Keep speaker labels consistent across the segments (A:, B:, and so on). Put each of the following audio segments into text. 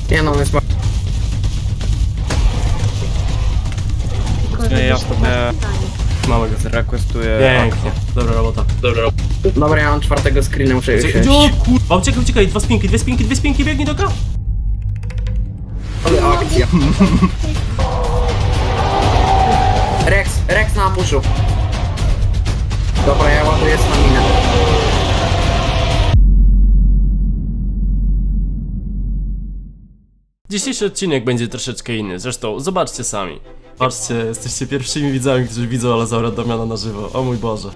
A: Nie no, on jest...
B: Ja sobie
C: Małego.
B: zrequestuję.
C: Pięknie. Dobra robota.
A: Dobra, ja mam czwartego screena, muszę już
C: Uciekaj,
A: iść.
C: kurwa, uciekaj, dwie spinki, biegnij do K.
A: Ale akcja. Rex na ambuszu. Dobra, ja ładuję staminę.
C: Dzisiejszy odcinek będzie troszeczkę inny, zresztą zobaczcie sami. Patrzcie, jesteście pierwszymi widzami, którzy widzą Alozaura Damiana na żywo. O mój Boże.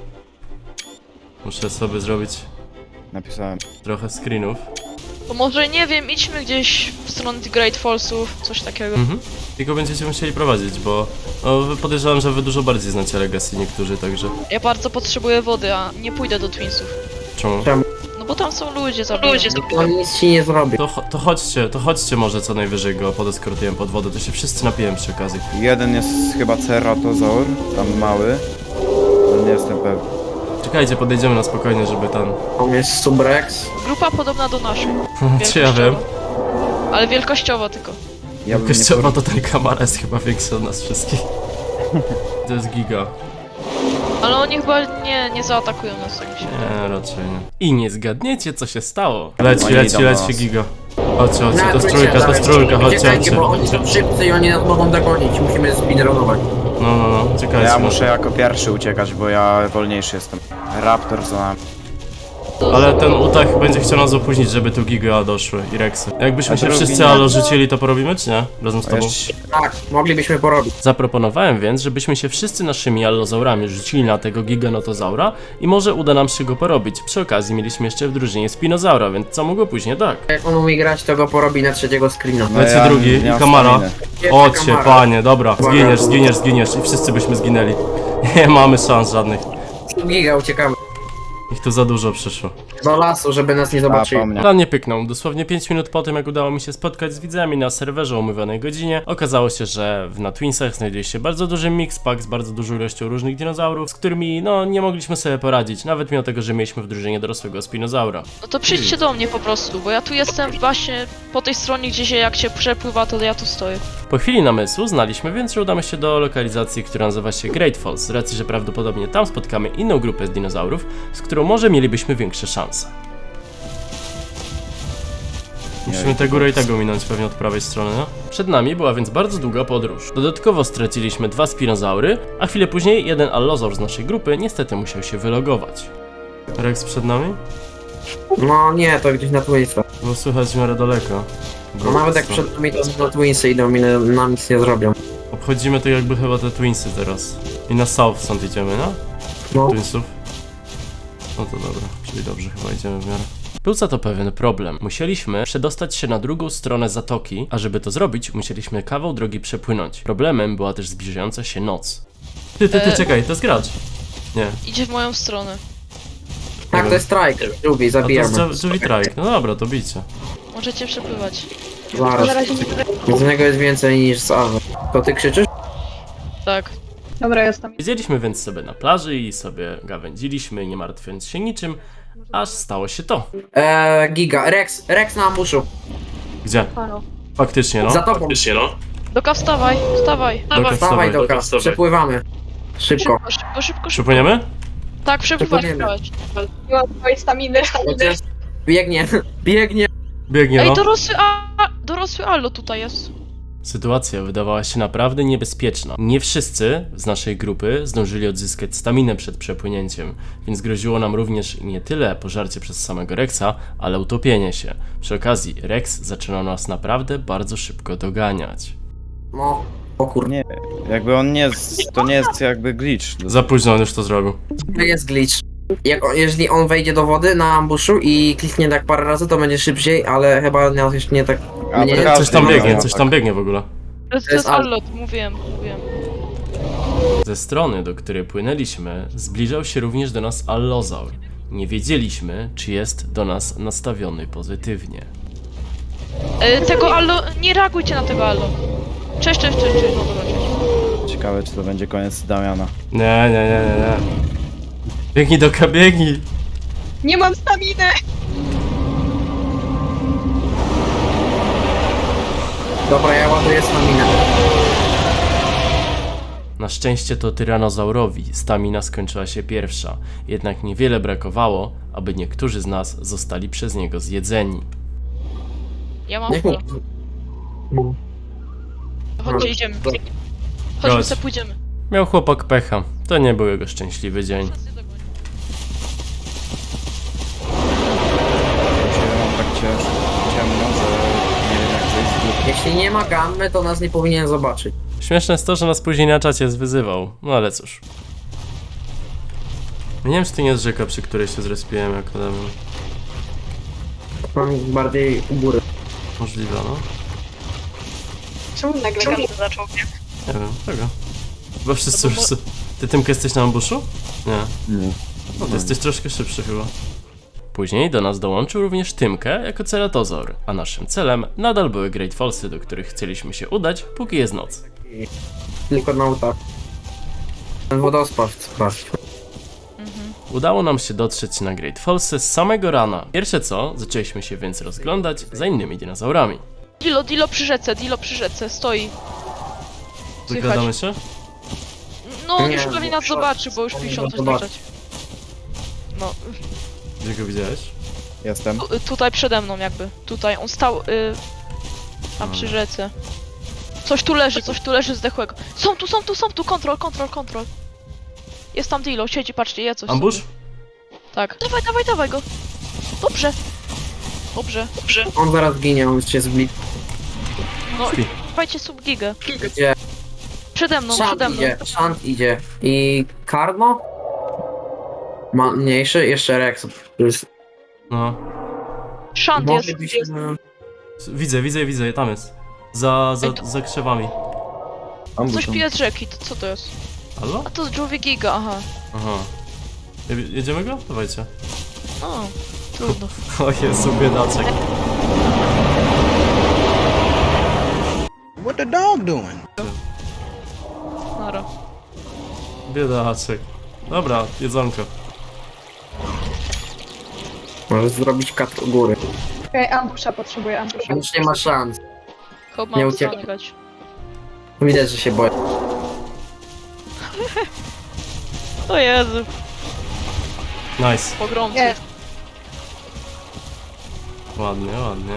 C: Muszę sobie zrobić
B: Napisałem.
C: trochę screenów.
D: To może nie wiem, idźmy gdzieś w stronę tych Great Fallsów, coś takiego.
C: Tylko będziecie musieli prowadzić, bo podejrzewam, że wy dużo bardziej znacie Legacy niektórzy, także...
D: Ja bardzo potrzebuję wody, a nie pójdę do Twinsów.
C: Czemu?
D: No bo tam są ludzie zabijają.
A: No nic ci nie zrobi.
C: To chodźcie może co najwyżej go podeskortujemy pod wodę, to się wszyscy napijemy przy okazji.
B: Jeden jest chyba ceratozaur, tam mały. Ale nie jestem pewny.
C: Czekajcie, podejdziemy na spokojnie, żeby ten...
A: On jest Subrex.
D: Grupa podobna do naszej.
C: Czy ja wiem?
D: Ale wielkościowo tylko.
B: Ja bym nie
C: Kościoła to ten kamara jest chyba większy od nas wszystkich. To jest giga.
D: Ale oni chyba nie zaatakują nas, tak mi się wydaje.
C: Nie, raczej nie. I nie zgadniecie, co się stało. Leci
B: Oni idą do nas.
C: giga. Chodźcie,
A: Na
C: to jest
A: trójce,
C: trójka, chodźcie,
A: Uciekajcie,
C: chodźcie.
A: bo oni są szybcy i oni nas mogą dogonić. Musimy speedrunować.
C: No, czekajcie.
B: Ja
C: no.
B: muszę jako pierwszy uciekać, bo ja wolniejszy jestem. Raptor za nami.
C: Ale ten Utah będzie chciał nas opóźnić, żeby tu giga doszły i Rexy. Jakbyśmy
B: A
C: się
B: drugi
C: wszyscy
B: nie.
C: alo rzucili, to porobimy, czy nie? Razem z tobą.
A: Tak, moglibyśmy porobić.
C: Zaproponowałem więc, żebyśmy się wszyscy naszymi allozaurami rzucili na tego giganotozaura i może uda nam się go porobić. Przy okazji mieliśmy jeszcze w drużynie spinozaura, więc co mogło później, tak.
A: Jak on umie grać, to go porobi na trzeciego screena.
B: No
C: Leci
B: ja
C: drugi
B: nie
C: i
B: mam
C: kamara.
B: staminy.
A: Jeszcze
C: Ocie,
A: kamara.
C: panie, dobra, zginiesz i wszyscy byśmy zginęli. Nie mamy szans żadnych.
A: Giga, uciekamy.
C: Ich tu za dużo przyszło.
A: Do lasu, żeby nas nie
B: A,
A: zobaczyli.
B: po mnie.
C: Plan nie pyknął. Dosłownie 5 minut po tym, jak udało mi się spotkać z widzami na serwerze o umówionej godzinie, okazało się, że na Twinsach znajduje się bardzo duży mixpack z bardzo dużą ilością różnych dinozaurów, z którymi, no, nie mogliśmy sobie poradzić, nawet mimo tego, że mieliśmy w drużynie dorosłego spinozaura.
D: No to przyjdźcie do mnie po prostu, bo ja tu jestem właśnie po tej stronie, gdzie się jak się przepływa, to ja tu stoję.
C: Po chwili namysłu znaliśmy więc, że udamy się do lokalizacji, która nazywa się Great Falls, z racji, że prawdopodobnie tam spotkamy inną grupę z dinozaurów, z którą może mielibyśmy większe szanse. Musimy tę górę i tego minąć pewnie od prawej strony, no? Przed nami była więc bardzo długa podróż. Dodatkowo straciliśmy 2 spinozaury, a chwilę później jeden allozaur z naszej grupy niestety musiał się wylogować. Rex przed nami?
A: No nie, to gdzieś na Twinsach.
C: Bo słychać w miarę daleko.
A: No nawet jak przed nami to na Twinsy idą i nam nic nie zrobią.
C: Obchodzimy to jakby chyba te Twinsy teraz. I na South stąd idziemy, no?
A: No.
C: Twinsów. No to dobra, czyli dobrze chyba idziemy w miarę. Był za to pewien problem. Musieliśmy przedostać się na drugą stronę zatoki, a żeby to zrobić, musieliśmy kawał drogi przepłynąć. Problemem była też zbliżająca się noc. Ty, czekaj, to jest gracz. Nie.
D: Idzie w moją stronę.
A: Tak, to jest strike. Drugi,
C: A to
A: zabijamy.
C: jest Julie Trike. No dobra, to bijcie.
D: Możecie przepływać.
A: Zaraz. Z niego jest więcej niż z Awy. To ty krzyczysz?
D: Tak.
E: Dobra, jestem.
C: Siedzieliśmy więc sobie na plaży i sobie gawędziliśmy, nie martwiąc się niczym, aż stało się to.
A: Giga. Rex na ambuszu.
C: Gdzie?
E: Halo.
C: Faktycznie, no.
A: Za tobą.
D: Doka, wstawaj.
C: Doka,
A: Wstawaj, Doka. Przepływamy. Szybko.
D: Szybko.
C: Przypłyniemy?
D: Tak, przepływać.
A: Przepłyniemy.
E: Nie mam twojej staminy.
A: Biegnie. Biegnie.
C: Biegnie,
D: Ej,
C: no.
D: dorosły Allo tutaj jest.
C: Sytuacja wydawała się naprawdę niebezpieczna. Nie wszyscy z naszej grupy zdążyli odzyskać staminę przed przepłynięciem, więc groziło nam również nie tyle pożarcie przez samego Rexa, ale utopienie się. Przy okazji Rex zaczynał nas naprawdę bardzo szybko doganiać.
A: No. O kurde.
B: Nie, jakby on nie jest, to nie jest jakby glitch.
C: Za późno on już to zrobił.
A: To jest glitch. Jeżeli on wejdzie do wody na ambuszu i kliknie tak parę razy, to będzie szybciej, ale chyba jeszcze nie tak...
B: A,
A: nie,
B: to każdy
C: Coś tam
B: ma
C: biegnie,
B: tak.
C: coś tam biegnie w ogóle.
D: To jest Allo, mówiłem.
C: Ze strony, do której płynęliśmy, zbliżał się również do nas allozaur. Nie wiedzieliśmy, czy jest do nas nastawiony pozytywnie.
D: Tego Allo, nie reagujcie na tego Allo. Cześć. No dobra, cześć.
B: Ciekawe, czy to będzie koniec Damiana.
C: Nie. Biegnij do biegnij!
E: Nie mam staminy!
A: Dobra, ja ładuję staminę.
C: Na szczęście to tyranozaurowi stamina skończyła się pierwsza, jednak niewiele brakowało, aby niektórzy z nas zostali przez niego zjedzeni.
D: Ja mam
A: Niech
D: full.
A: mi...
D: Chodźcie, idziemy.
C: Chodź.
D: Chodźmy se, pójdziemy.
C: Miał chłopak pecha, to nie był jego szczęśliwy dzień.
B: Dzisiaj mam tak ciemno, że nie wiem jak zejść z góry.
A: Jeśli nie ma gammy, to nas nie powinien zobaczyć.
C: Śmieszne jest to, że nas później na czacie zwyzywał, no ale cóż. Nie wiem, czy to nie jest rzeka, przy której się zrespiłem jako Damian.
A: Mam bardziej u góry.
C: Możliwe, no.
E: Czemu nagle gammy zaczął?
C: Nie wiem, czego? Chyba wszyscy już... Ty, Tymka, jesteś na ambuszu? Nie.
B: Nie.
C: No, ty jesteś troszkę szybszy chyba. Później do nas dołączył również Tymkę jako ceratozaur, a naszym celem nadal były Great Fallsy, do których chcieliśmy się udać, póki jest noc.
A: Tylko na utach. Ten wodospad sprawdź.
C: Udało nam się dotrzeć na Great Fallsy z samego rana. Pierwsze co, zaczęliśmy się więc rozglądać za innymi dinozaurami.
D: Dilo przy rzece, stoi.
C: Zagadamy się?
D: No,
A: Nie,
D: już pewnie nas zobaczy, bo już piszą coś na
A: zobaczy.
D: czacie. No,
C: Gdzie go widziałeś?
B: Jestem.
D: tutaj przede mną jakby. Tutaj, on stał tam przy rzece. Coś tu leży zdechłego. Są tu, kontrol. Jest tam Dilo, siedzi, patrzcie, je coś.
C: Ambush?
D: sobie. Tak. Dawaj go. Dobrze.
A: On zaraz ginie, on się zbli.
D: No,
C: Śpi.
D: dawajcie subgigę.
A: Gdzie?
D: Przede mną.
A: Shant idzie. I Karno? Ma mniejszy, jeszcze Rex. To jest...
C: No.
D: Shant jest.
A: Moglibyśmy...
C: Widzę, tam jest. Za krzewami.
D: Coś pije z rzeki, to co to jest?
C: Halo?
D: A to jest Jovi Giga, aha.
C: Aha. Jedziemy go? Dawajcie.
D: O, trudno.
C: O Jezu, biedaczek.
F: What the dog doing?
D: Nara.
C: Biedaczek. Dobra, jedzonko.
A: Możesz zrobić kat u góry.
E: Okej, ambusza potrzebuję, ambusza.
A: Już nie ma szans.
D: Chłop
A: Nie
D: mam
A: uciekł.
D: zamykać.
A: Widać, że się boi.
D: O Jezu,
C: Nice.
D: pogromcy.
E: Nie,
C: Ładnie.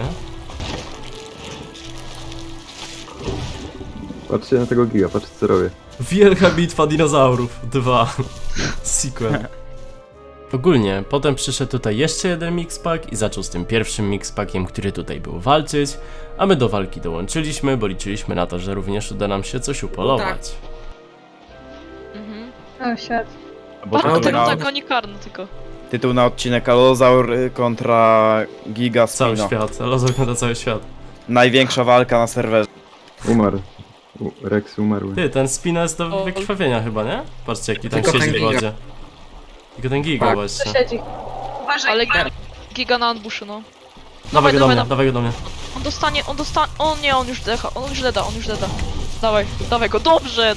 G: Patrzcie na tego giga, patrzcie co robię.
C: Wielka bitwa dinozaurów 2. Sequel. Ogólnie, potem przyszedł tutaj jeszcze jeden mixpack i zaczął z tym pierwszym mixpackiem, który tutaj był walczyć, a my do walki dołączyliśmy, bo liczyliśmy na to, że również uda nam się coś upolować.
D: Mhm.
E: o świat.
B: Bo
D: Bardzo
B: tytuł, na,
D: tak, oni karno tylko.
B: tytuł na odcinek Allozaur kontra Giga
C: Cały
B: Spino.
C: świat, ale zagląda cały świat.
B: Największa walka na serwerze.
G: Umarł. Rex umarł.
C: Ty, ten Spina jest do wykrwawienia chyba, nie? Patrzcie, jaki tam
A: Tylko
C: siedzi
A: ten
C: w
A: Giga.
C: wodzie. Tylko ten Giga
A: Tak.
E: To
C: właśnie.
E: siedzi.
D: Ale Giga na ambuszu, no.
C: Dawaj go do mnie,
D: dawaj.
C: dawaj go do mnie.
D: On dostanie, o nie, on już decha, on już deda. Dawaj go, dobrze.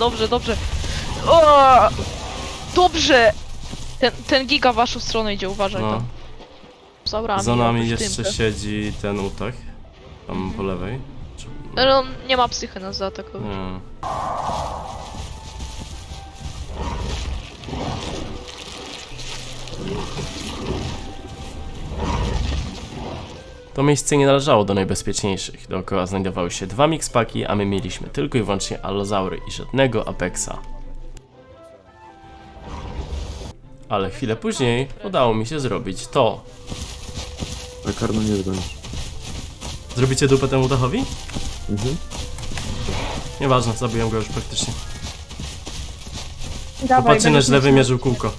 D: O! Dobrze! Ten Giga w waszą stronę idzie, uważaj
C: No.
D: tam. Zaurami,
C: Za nami
D: oprócz
C: jeszcze
D: Tymkę.
C: siedzi ten utach. Tam po lewej. Czy...
D: Ale on nie ma psychy nas zaatakować.
C: Nie. To miejsce nie należało do najbezpieczniejszych. Dookoła znajdowały się dwa mixpaki, a my mieliśmy tylko i wyłącznie allozaury i żadnego Apexa. Ale chwilę później udało mi się zrobić to.
G: A Karno nie zdąży.
C: Zrobicie dupę temu dachowi?
G: Mhm.
C: Nieważne, zabiłem go już praktycznie.
E: Dawaj,
C: Popatrzcie, na
E: będziesz
C: źle
E: mieć-
C: wymierzył kółko.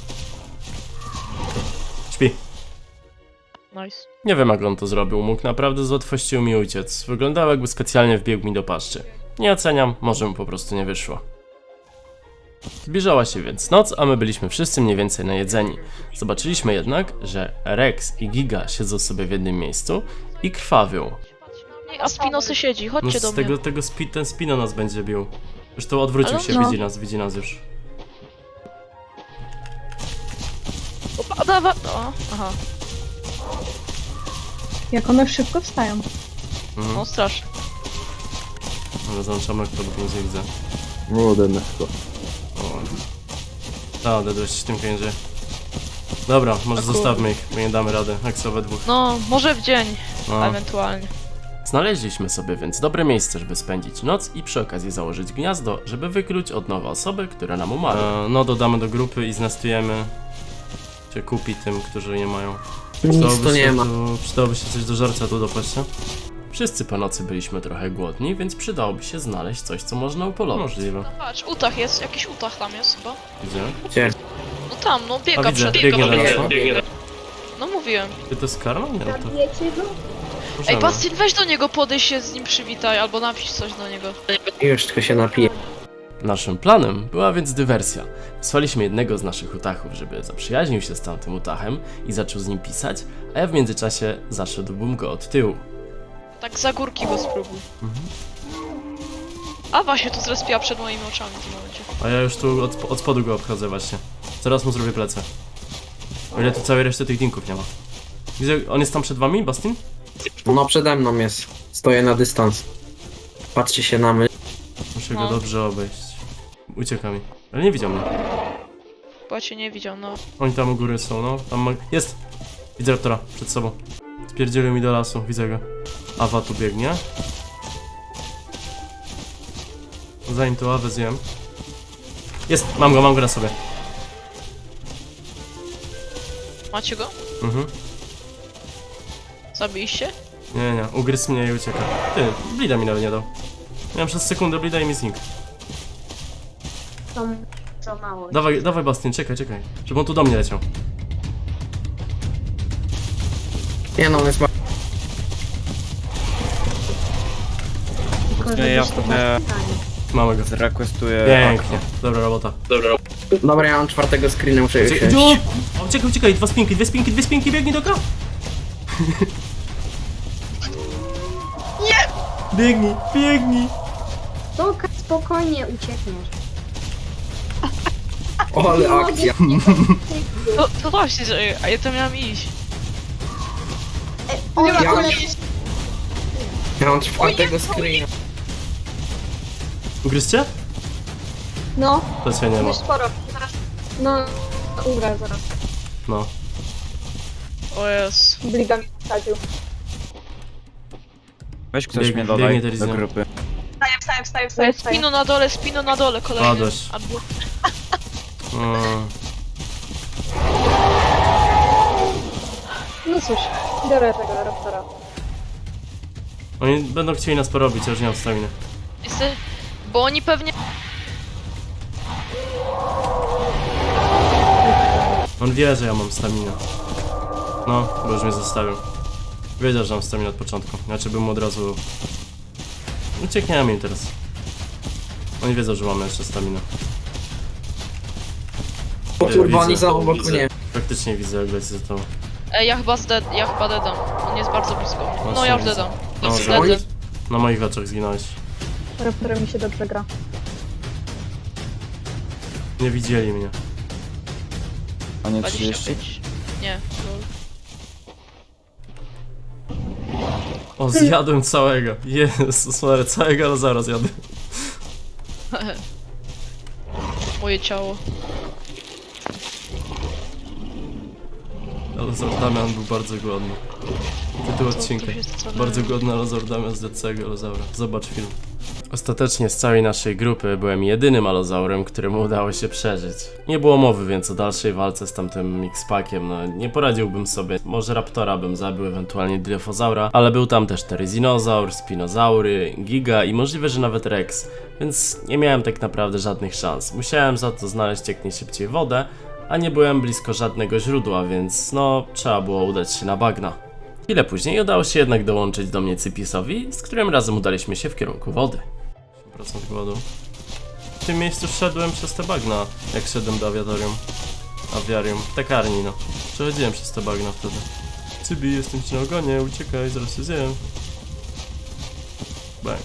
C: Śpi.
D: Nice.
C: Nie wiem, jak on to zrobił, mógł naprawdę z łatwością mi uciec. Wyglądało, jakby specjalnie wbiegł mi do paszczy. Nie oceniam, może mu po prostu nie wyszło. Zbliżała się więc noc, a my byliśmy wszyscy mniej więcej najedzeni. Zobaczyliśmy jednak, że Rex i Giga siedzą sobie w jednym miejscu i krwawią.
D: Nie, a Spinosy siedzi,
C: No
D: chodźcie do
C: z
D: mnie.
C: ten Spino nas będzie bił. Już to odwrócił
D: Ale
C: się,
D: no.
C: widzi nas już.
D: Opa, dawaj. O, aha,
E: Jak one szybko wstają.
C: Mhm.
D: no strasznie.
C: Ale załączam na kto, bo nic nie widzę.
G: Młode chyba.
C: O. Dedłeś w tym piędzie. Dobra, może zostawmy ich, bo nie damy rady. Jak są we dwóch.
D: No, może w dzień,
C: No.
D: ewentualnie.
C: Znaleźliśmy sobie więc dobre miejsce, żeby spędzić noc i przy okazji założyć gniazdo, żeby wykluć od nowa osobę, która nam umarła. No dodamy do grupy i znestujemy się kupi tym, którzy nie mają.
A: Nic tu nie ma.
C: Przydałoby się coś do żarcia tu dopaść, nie? Wszyscy po nocy byliśmy trochę głodni, więc przydałoby się znaleźć coś, co można upolować. Możliwe.
D: No patrz, utach jest, jakiś utach tam jest chyba.
C: Gdzie?
A: Gdzie?
D: No tam, no
C: A
D: biega
C: widzę,
D: przed
C: biegnie do nas.
D: No mówiłem.
C: Ty to jest karma? Nie, no to...
E: Zabijecie go?
D: Ej,
C: możemy.
D: Bastin, weź do niego, podejść się z nim przywitaj, albo napisz coś do niego.
A: Już tylko się napiję.
C: Naszym planem była więc dywersja. Wysłaliśmy jednego z naszych utachów, żeby zaprzyjaźnił się z tamtym utachem i zaczął z nim pisać, a ja w międzyczasie zaszedłbym go od tyłu.
D: Tak za górki go spróbuj. Awa się tu zrespiła przed moimi oczami w tym momencie.
C: A ja już tu od spodu go obchodzę właśnie. Zaraz mu zrobię plecy. O ile tu całej reszty tych dinków nie ma. Widzę, on jest tam przed wami, Bastin?
A: No przede mną jest. Stoję na dystans. Patrzcie się na mnie.
C: Muszę
D: No.
C: go dobrze obejść. Ucieka mi. Ale nie widział mnie.
D: Bo ja cię nie widział, no.
C: Oni tam u góry są, no. Tam jest! Widzę raptora przed sobą. Spierdzielił mi do lasu, widzę go. Awa tu biegnie. Zanim tu Awę zjem. Jest! Mam go na sobie.
D: Macie go?
C: Mhm.
D: Zabiliście?
C: Nie, ugryzł mnie i ucieka. Ty, blida mi nawet nie dał. Miałem przez sekundę blida i mi znikł.
E: To mało.
C: Dawaj Bastian, czekaj. Żeby on tu do mnie leciał.
A: Nie no, on jest
B: Ja sobie
C: Mamy go.
B: zrequestuję...
C: Pięknie. Dobra robota.
A: Dobra, ja mam czwartego screena, muszę już
C: Uciekaj,
A: wziąć.
C: uciekaj, dwie spinki, biegnij do K! Nie! Biegnij!
E: Spokojnie uciekniesz.
A: Ale akcja.
D: To właśnie, że a ja to miałam iść.
A: Ja mam czwartego screena.
C: Ugryzcie?
E: No,
C: To się nie ma.
E: już sporo. Zaraz. No, umrę zaraz.
C: No.
D: O jest.
E: Blida mi wsadził.
B: Weź ktoś
C: Biegnie,
B: mnie dodaj
C: biegnie
B: do
C: Terizja.
B: grupy.
E: Wstaję.
D: Spino na dole, kolejny.
C: Padłeś.
D: Albo...
E: No cóż, biorę tego raptora.
C: Oni będą chcieli nas porobić, ja już nie mam staminy.
D: Bo oni pewnie...
C: On wie, że ja mam staminę. No, bo już mnie zostawił. Wiedział, że mam staminę od początku. Znaczy bym mu od razu... Uciekniemy im teraz. Oni wiedzą, że mamy jeszcze staminę.
A: O kurwa, oni
C: Widzę.
A: są obok mnie.
C: Faktycznie widzę, jak leci za tobą.
D: Ja chyba dedam. On jest bardzo blisko. No ja już
C: widzę.
D: dedam.
C: No,
D: Dedę.
C: na moich oczach zginąłeś.
E: Raptorem mi się dobrze gra.
C: Nie widzieli mnie.
B: A nie 30?
D: 25. Nie,
C: O, zjadłem całego. Jezus Maria, całego, ale zaraz jadę.
D: moje ciało.
C: Alozor Damian był bardzo głodny. Tytuł odcinka.
D: tu się stawiają?
C: Bardzo głodny Alozor Damian z całego Alozaura. Zobacz film. Ostatecznie z całej naszej grupy byłem jedynym alozaurem, któremu udało się przeżyć. Nie było mowy więc o dalszej walce z tamtym X-Packiem, no nie poradziłbym sobie. Może Raptora bym zabił, ewentualnie Dilophosaura, ale był tam też Teryzinozaur, Spinozaury, Giga i możliwe, że nawet Rex, więc nie miałem tak naprawdę żadnych szans. Musiałem za to znaleźć jak najszybciej wodę, a nie byłem blisko żadnego źródła, więc no trzeba było udać się na bagna. Chwilę później udało się jednak dołączyć do mnie Cypisowi, z którym razem udaliśmy się w kierunku wody. 8% głodu. W tym miejscu szedłem przez te bagna, jak szedłem do awiarium, w tekarni no. Przechodziłem przez te bagna wtedy. Cybi, jestem ci na ogonie, uciekaj, zaraz się zjem. Bang.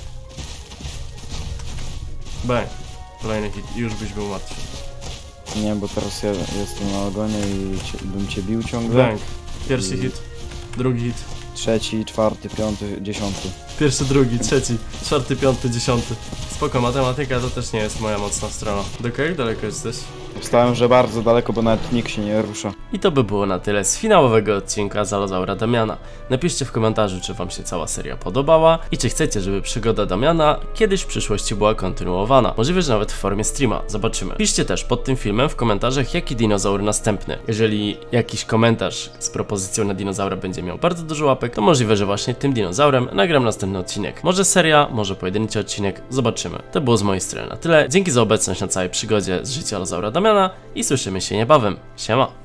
C: Bang. Kolejny hit i już byś był martwy.
B: Nie, bo teraz ja jestem na ogonie i bym cię bił ciągle.
C: Bang. Pierwszy hit, drugi hit,
B: trzeci, czwarty, piąty, 10.
C: Pierwszy, drugi, trzeci, czwarty, piąty, 10. Spoko, matematyka to też nie jest moja mocna strona. Jak daleko jesteś?
B: Wstałem, że bardzo daleko, bo nawet nikt się nie rusza.
C: I to by było na tyle z finałowego odcinka Zalozaura Damiana. Napiszcie w komentarzu, czy wam się cała seria podobała i czy chcecie, żeby przygoda Damiana kiedyś w przyszłości była kontynuowana. Możliwe, że nawet w formie streama. Zobaczymy. Piszcie też pod tym filmem w komentarzach, jaki dinozaur następny. Jeżeli jakiś komentarz z propozycją na dinozaura będzie miał bardzo dużo łapek, to możliwe, że właśnie tym dinozaurem nagram następny odcinek. Może seria, może pojedynczy odcinek. Zobaczymy. To było z mojej strony na tyle. Dzięki za obecność na całej przygodzie z życia Lozaura Damiana i słyszymy się niebawem. Siema!